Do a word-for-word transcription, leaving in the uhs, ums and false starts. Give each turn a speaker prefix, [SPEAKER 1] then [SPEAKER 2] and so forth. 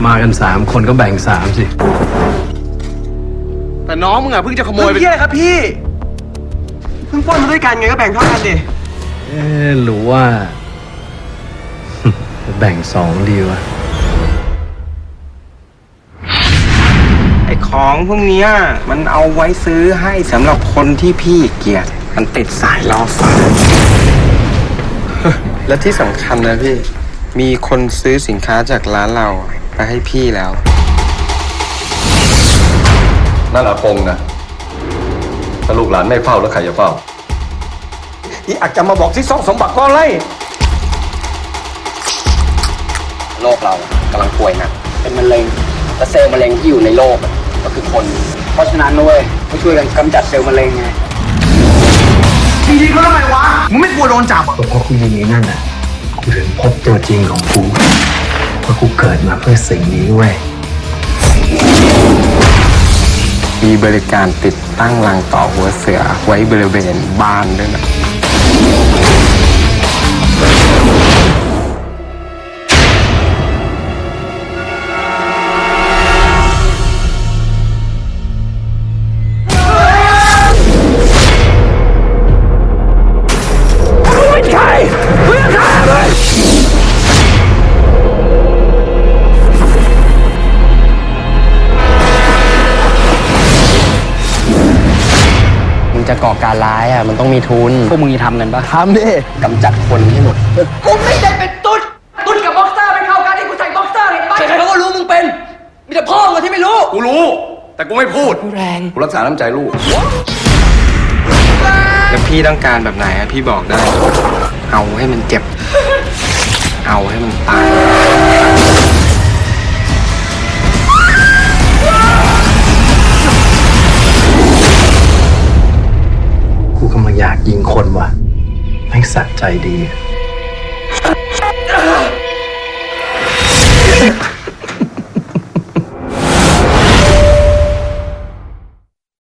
[SPEAKER 1] มากันสามคนก็แบ่งสามสิ
[SPEAKER 2] แต่น้องมึงอะเพิ่งจะขโมยไป
[SPEAKER 3] เพี่อะไรครับพี่เพิ่งปล้นมาด้วยกันไงก็แบ่งเท่ากันดิ
[SPEAKER 1] เอ๊ะหรือว่า แบ่งสองดีวะ
[SPEAKER 3] ไอ้ของพวกนี้มันเอาไว้ซื้อให้สำหรับคนที่พี่เกลียดมันติดสายล่อฟ้า และที่สำคัญนะพี่มีคนซื้อสินค้าจากร้านเราไปให้พี่แล้ว
[SPEAKER 4] นั่นอาคงนะถ้าลูกหลานไม่เฝ้าแล้วใครจะเฝ้า
[SPEAKER 3] อีอาจจะมาบอกที่ซ่องสมบัติก็ไรโลกเรากำลังป่วยหนักเป็นมะเร็งและเซลล์มะเร็งที่อยู่ในโลกก็คือคนเพราะฉะนั้นนะเว้ยก็ช่วยกันกำจัดเซลล์มะเร็งไงจริงๆเขาทำไมวะมึงไม่กลัวโดนจับอ่ะ
[SPEAKER 1] เพราะกูยิงไอ้นั่นอ่ะกูถึงพบตัวจริงของกูเพราะกูเกิดมาเพื่อสิ่งนี้เว้ย
[SPEAKER 3] มีบริการติดตั้งรังต่อหัวเสือไว้บริเวณบ้านด้วยนะจะก่อการร้ายอ่ะมันต้องมีทุนพวกมึงจะทำกันปะทำดิกำจัดคนให้หมด
[SPEAKER 5] กูไม่ได้เป็นตุ๊ดตุ๊ดกับบ็อกเซอร์เป็นเข้ากันที่กูใส่บ็อกเซอร์เห็นปะใครๆเขาก็รู้มึงเป็นมีแต่พ่อมึงที่ไม่รู้
[SPEAKER 4] กูรู้แต่กูไม่พูด
[SPEAKER 5] กูแรง
[SPEAKER 4] กูรักษาน้ำใจลูก
[SPEAKER 3] แล้วพี่ต้องการแบบไหนอ่ะพี่บอกได้เอาให้มันเจ็บเอาให้มันตาย
[SPEAKER 1] กูกำลังอยากยิงคนว่ะแม่งสะใจดี